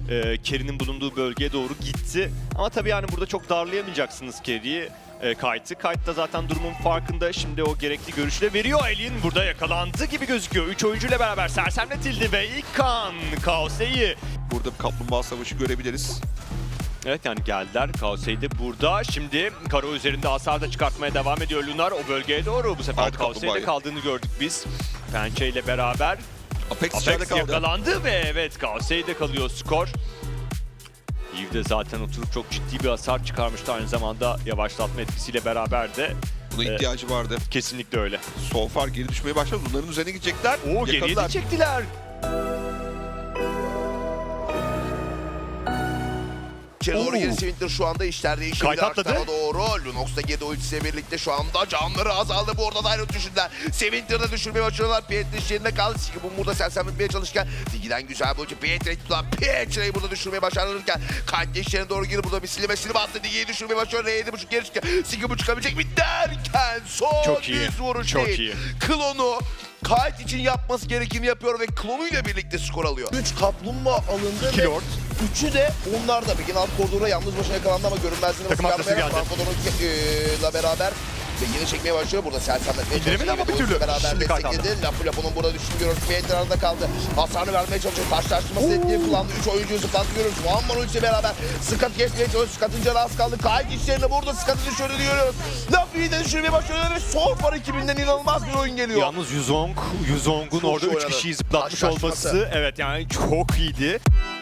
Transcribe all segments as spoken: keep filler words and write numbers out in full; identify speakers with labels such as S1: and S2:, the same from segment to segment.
S1: e, Kerry'nin bulunduğu bölgeye doğru gitti. Ama tabii yani burada çok darlayamayacaksınız Kerry'i. E, Kite'ı. Kite da zaten durumun farkında. Şimdi o gerekli görüşü de veriyor. Alien burada yakalandı gibi gözüküyor. üç oyuncuyla beraber sersemletildi ve ilk kan Kaosei'yi.
S2: Burada bir kaplumbağa savaşı görebiliriz.
S1: Evet yani geldiler. Kaosei de burada. Şimdi Karo üzerinde hasar da çıkartmaya devam ediyor Lunar. O bölgeye doğru bu sefer
S2: Aldı
S1: Kaosei'de
S2: kaplumbağayı.
S1: kaldığını gördük biz. Pençe ile beraber.
S2: Apex içeride
S1: Apex
S2: kaldı.
S1: yakalandı ve evet Kaosei'de kalıyor skor. Eve de zaten oturup çok ciddi bir hasar çıkarmıştı. Aynı zamanda yavaşlatma etkisiyle beraber de
S2: Buna
S1: e,
S2: ihtiyacı vardı.
S1: kesinlikle öyle.
S2: So far geri düşmeye başladı. Bunların üzerine gidecekler.
S1: Oo geriye de
S2: Yakaladılar.
S1: çektiler.
S3: İçeri doğru
S1: Oo.
S3: geri Swinter şu anda işler değişebilir.
S1: Kayıt atladı.
S3: Arkadan doğru. Lunox da Gedo ultisiyle birlikte şu anda canları azaldı. Bu arada Dynamite düşürdüler. Swinter'da düşürmeye başlıyorlar. Pietri iş yerinde kaldı. Siki bu burada sersemletmeye çalışırken Digi'den güzel bir ulti. Pietri'yi tutan Pietri'yi burada düşürmeye başarırken Kayıt iş yerine doğru girip burada bir silime silime attı. Digi'yi düşürmeye başlıyor. R yedi buçuk geri çıkıyor. Siki bu çıkabilecek mi derken son
S1: Çok iyi,
S3: düz vuruş
S1: çok
S3: değil.
S1: iyi.
S3: Klonu Kayıt için yapması gerekeni yapıyor ve klonuyla birlikte skor alıyor. üç kaplumbağa alındı
S1: İki
S3: ve
S1: lord.
S3: üçü de onlar da bir alt koridora yalnız başına yakalandı ama görünmezliğine
S1: Takım atlısı geldi.
S3: ile beraber ve yine çekmeye başlıyor. Burada sersemletmeye
S1: İndiremedi
S3: çalışıyor.
S1: ama bir
S3: Ve
S1: türlü.
S3: beraber
S1: Şimdi kayıt
S3: destekledi. Lapu Lapu'nun burada düştüğünü görüyoruz. Pietri arada kaldı. Hasarını vermeye çalışıyor. Karşılaştırması etkiyi kullandı. üç oyuncuyu zıplattı görüyoruz. Muamman ultisi beraber Scott kesmeye çalışıyor. Scott'ın canı az kaldı. Kayıt işlerinde burada Scott'ı düşürdüğünü görüyoruz. Lapu'yu da düşürmeye başlıyorlar ve son par ekibinden inanılmaz bir oyun geliyor.
S1: Yalnız Yuzong, Yuzong'un
S3: Çok
S1: orada
S3: iyi
S1: üç
S3: oynadı.
S1: kişiyi zıplatmış
S3: Karşılaşması.
S1: olması evet yani çok iyiydi.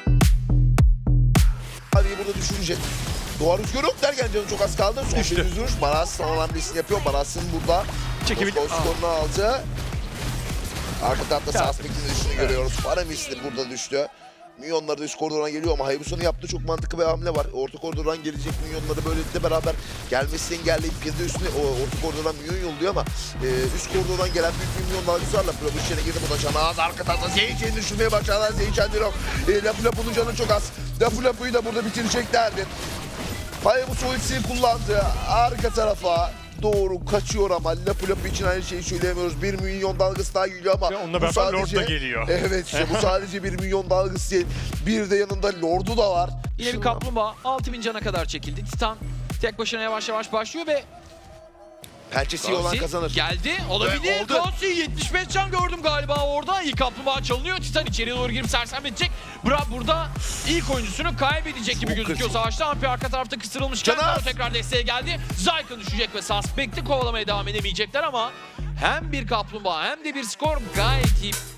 S3: Hadi burada düşürecek. Doğa rüzgarı yok derken canı çok az kaldı. Son
S1: Düştü.
S3: bir düz vuruş. Baras son hamlesini yapıyor. Baras'ın burada
S1: Çekebilir.
S3: Moskova skorunu aldı. Arka tarafta
S1: Ya.
S3: Suspect'in düştüğünü görüyoruz. Paramis de burada düştü. Milyonları da üst koridordan geliyor ama Hayabusa'nın yaptığı çok mantıklı bir hamle var. Orta koridordan gelecek milyonları böylelikle beraber gelmesini engelleyip bir de üstüne o orta koridordan milyon yolluyor ama e, üst koridordan gelen büyük bir milyon dalgısı Lapu içeri girdi. Bu da canı az. Arka tarafta Zeyçen'i düşürmeye başladılar. Zeyçen de yok. E, Lapu Lapu'nun canı çok az. Lapu Lapu'yu da burada bitireceklerdi. Hayabusa ultisini kullandı. Arka tarafa doğru kaçıyor ama Lapu Lapu için aynı şeyi söyleyemiyoruz. Bir milyon dalgası daha geliyor ama
S1: Ve onunla
S3: bu
S1: beraber Lord da geliyor.
S3: Evet işte bu sadece bir milyon dalgası değil. Bir de yanında Lord'u da var.
S4: Yine bir kaplumbağa altı bin cana kadar çekildi. Titan tek başına yavaş yavaş başlıyor ve
S3: Pençesi iyi olan
S4: Gauzy
S3: kazanır.
S4: geldi. Olabilir.
S3: Ve oldu.
S4: Gauzy yetmiş beş can gördüm galiba orada. İlk kaplumbağa çalınıyor. Titan içeriye doğru girip sersemletecek. Bra burada ilk oyuncusunu kaybedecek gibi
S3: Çok
S4: gözüküyor
S3: kritik.
S4: savaşta. Ampi arka tarafta kısırılmışken
S3: Canaz!
S4: Karo tekrar desteğe geldi. Zyka düşecek ve Suspect'i kovalamaya devam edemeyecekler ama hem bir kaplumbağa hem de bir skor gayet iyi.